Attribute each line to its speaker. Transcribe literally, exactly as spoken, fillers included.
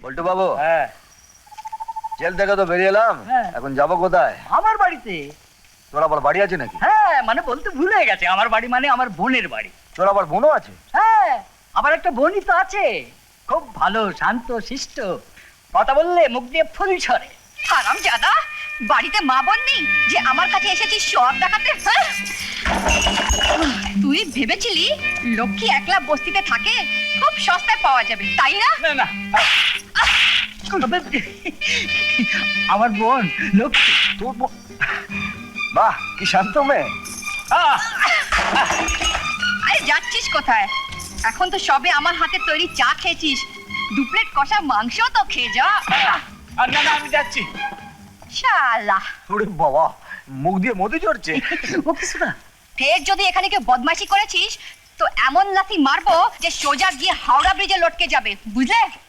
Speaker 1: বল্টু বাবু,
Speaker 2: হ্যাঁ
Speaker 1: জেল থেকে তো বেরিয়ে এলাম,
Speaker 2: হ্যাঁ।
Speaker 1: এখন যাবো কোথায়?
Speaker 2: আমার বাড়িতে।
Speaker 1: তোর আবার বাড়ি আছে নাকি?
Speaker 2: হ্যাঁ মানে বলতে ভুলে গেছে, আমার বাড়ি মানে আমার বোনের বাড়ি।
Speaker 1: তোর আবার বোনও আছে?
Speaker 2: হ্যাঁ আমার একটা বোনই তো আছে, খুব ভালো শান্ত শিষ্ট, কথা বললে মুখ দিয়ে ফুল ছড়ে।
Speaker 3: হারাম জাদা, বাড়িতে মা বোন নেই যে আমার কাছে এসেছিস সব দেখাতে? হ্যাঁ? তুই ভেবেছিলি লক্ষ্মী একলা বস্তিতে থাকে, খুব সস্তায় পাওয়া যাবে, তাই না?
Speaker 2: না না আমার বোন লক্ষ্মী।
Speaker 1: তোর বোন? বাহ, কি শান্ত মেয়ে।
Speaker 2: আহ!
Speaker 3: আরে যাচ্ছিস কোথায়? এখন তো সবে আমার হাতে তৈরি চা খেয়েছিস, দু প্লেট কষা মাংস তো খেয়ে যা।
Speaker 2: আর না না আমি যাচ্ছি।
Speaker 3: শালা,
Speaker 1: ওরে বাবা, মুখ দিয়ে মধু ঝরছে।
Speaker 2: ও কিছু না।
Speaker 3: ফের যদি এখানে কেউ বদমাইশি করেছিস তো এমন লাথি মারবো যে সোজা গিয়ে হাওড়া ব্রিজে লটকে যাবে, বুঝলে?